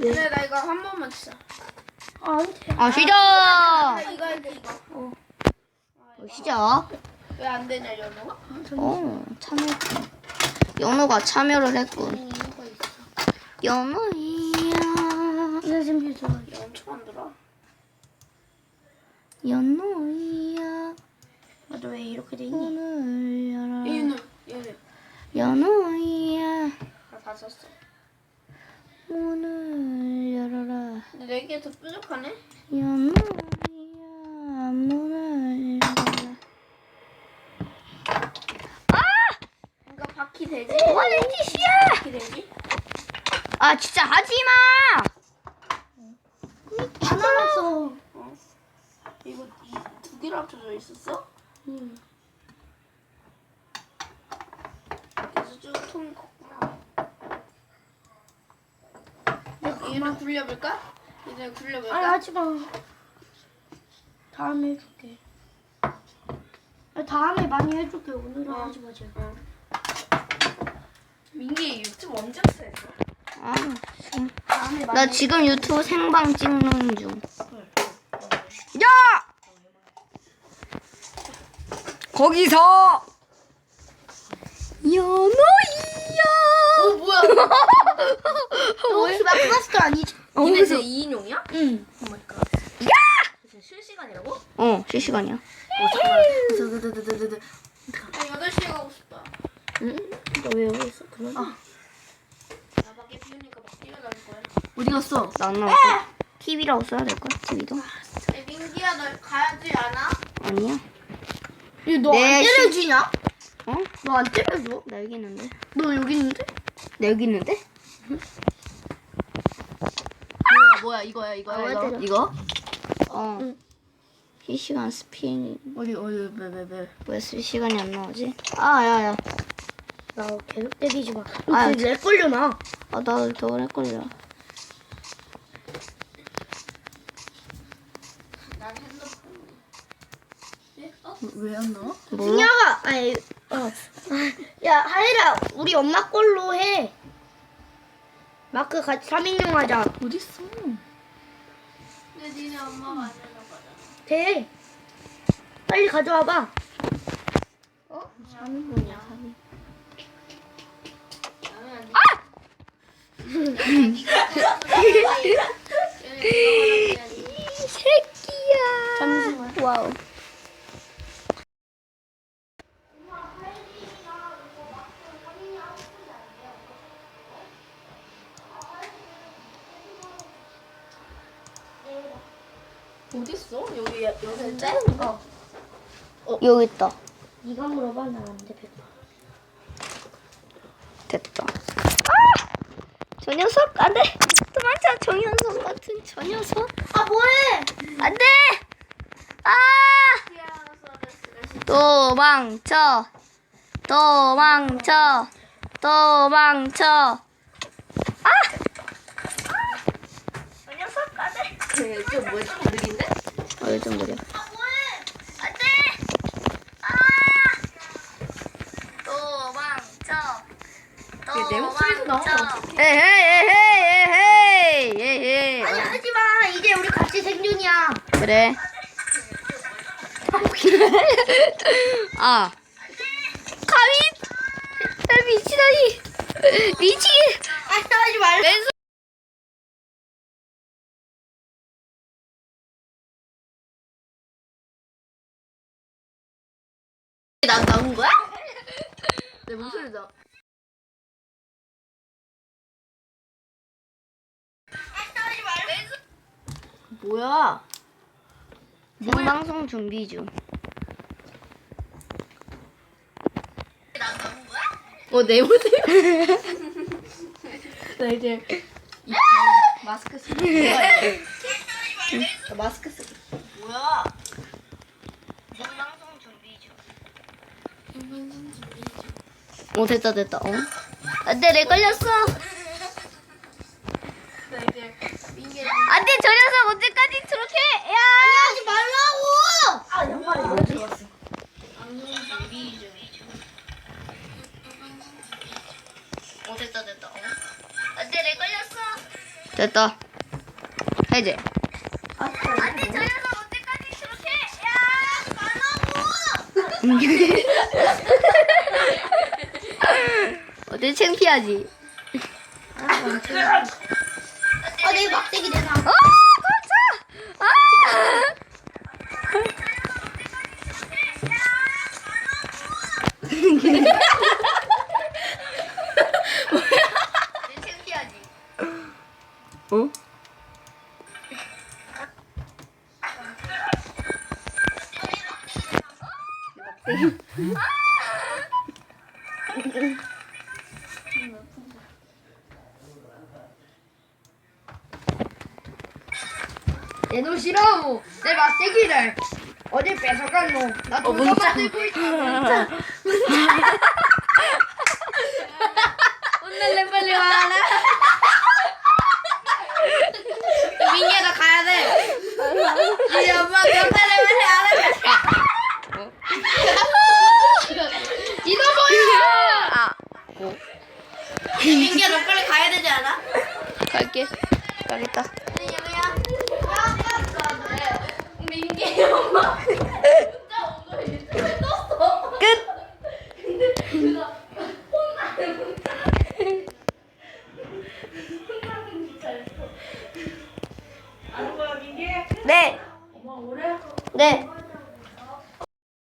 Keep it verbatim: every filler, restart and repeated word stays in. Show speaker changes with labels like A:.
A: 그래 나 이거 한 번만 치자.
B: 아, 안 돼.
C: 아 시작.
A: 아, 이거 할게 이거.
B: 어.
C: 어, 시작.
A: 왜 안 되냐 연우가?
C: 어 참여. 연우가 참여를 했군.
A: 이거 있어.
C: 연우야.
B: 이거 좀 해줘.
A: 연초 만들어.
C: 연우야.
B: 너도 왜 이렇게 돼 있니?
C: 문을 열어라.
A: 연우 연우.
C: 연우야.
A: 나다 썼어.
C: 문을 열어라.
A: 근데 네 개 더 뾰족하네.
C: 연우야. 문을 열어라.
A: 이거 바퀴 되지?
C: 뭐하는 짓이야?
A: 바퀴 되지?
C: 아 진짜 하지마.
B: 다 나왔어.
A: 어. 이거 이 두 개로 합쳐져 있었어?
B: 응.
A: 그래서 쭉 통이 컸구나. 얘를 굴려볼까? 얘를 굴려볼까?
B: 아니, 하지 마. 다음에 해줄게. 아니, 다음에 많이 해줄게. 오늘은
A: 어.
B: 하지 마, 제발.
A: 어. 민기 유튜브 언제 했어?
C: 아, 지금.
B: 다음에 많이
C: 나 지금 유튜브 생방 찍는 중. 야! 거기서 연우야.
A: 어 뭐야?
B: 너 혹시 마크마스터 아니지?
C: 어,
A: 이게
C: 그래서-
A: 제 이 인용이야?
B: 응.
A: 오마이갓.
C: 야!
A: 실시간이라고?
C: 어, 실시간이야.
A: 어 잠깐만. 드드드드드드. 나 여덟 시에 가고 싶다.
B: 응? 너 왜 여기 있어? 그러지?
A: 아. 나 밖에 비우니까 막 뛰어다닐 거야.
B: 어디 갔어?
C: 나안 나왔어. 티비라고 써야 될걸? 티비도?
A: 야, 민기야 너 가야지 않아?
C: 아니야.
B: 너안
C: 네,
B: 때려주냐?
C: 어?
B: 너 안 때려줘?
C: 나 여기 있는데.
B: 너 여기 있는데?
C: 나 여기 있는데?
A: 뭐야 뭐야 이거야 이거야
B: 아, 왜
A: 이거
B: 때려?
A: 이거?
C: 어.
B: 응.
C: 실시간 스피닝.
A: 어디 어디 왜왜 왜?
C: 왜 실시간이 안 나오지? 아, 야, 야.
B: 나 계속 때리지 마.
C: 아,
B: 너내 걸려나?
C: 아, 나더 오래 걸려.
A: 난 핸드폰. 예? 어? 왜 안 나와?
C: 뭐?
B: 승혁아, 아니, 어. 아, 야, 하이라, 우리 엄마 걸로 해. 마크 같이 삼 인용 하자.
A: 어딨어? 근데 니네 엄마가 안 하려고 하잖아.
B: 돼. 빨리 가져와봐.
A: 어? 삼 인분이야.
C: 이 새끼야.
B: 잠시만.
C: 와우.
A: 어딨어? 여기 여기 있대? 어.
C: 여기 있다.
B: 네가 물어봐, 나 안 돼. 백퍼.
C: 됐다. 아! 저 녀석 안 돼. 도망쳐. 저 녀석 같은 저 녀석.
B: 아, 뭐해?
C: 안 돼. 아! 도망쳐. 도망쳐. 도망쳐. 아! 저 녀석 안 돼.
A: 이거 뭐야? 좀 느린데?
C: 어, 요즘 그래.
B: 아, 뭐해?
C: 안 돼. 아! 도망쳐.
A: 내 목소리도 나오면 어떡해?
C: 에헤이 에헤이 에헤이 에헤이.
B: 아니, 하지 마. 이제 우리 같이 생존이야.
C: 그래. 아. 가위. 나 미치다니. 미치게.
B: 아니, 하지 말라.
C: 왼손.
A: 나 나온 거야? 내 목소리 나. 뭐야?
C: 생방송 준비 중.
A: 나 나온 거야? 어, 내 모습. 나 이제 이 마스크 쓰고 있어야 돼. 나 마스크 쓰고. 뭐야?
C: 생방송 준비 중. 어 됐다 됐다. 어? 안돼 내 걸렸어.
A: 나 이제 민기.
C: 안돼 저 녀석 언제까지 저렇게? 야.
B: 하지 말라고!
A: 아, 양말이 왜 들어갔어?
C: 어 됐다 됐다. 어? 안돼 내 걸렸어. 됐다. 해제.
A: 안돼 저 녀석 언제까지 그렇게 야 말라고.
C: 어때 창피하지?
B: 아, 내 막대기 내놔.
C: 어, 깜짝! 아!
A: 내 창피하지.
C: 어?
A: 내놓으시라고 내 막대기를 어디 뺏어갔노? 나
C: 어,
A: 돌도
C: 문자.
A: 만들고 있어. 혼날래 빨리 와라. 민기야 나 가야 돼. 우리 엄마 혼날래 빨리 와라. 이거 뭐야?
C: 아,
A: 민기야 너 빨리 가야 되지 않아?
C: 갈게. 가겠다.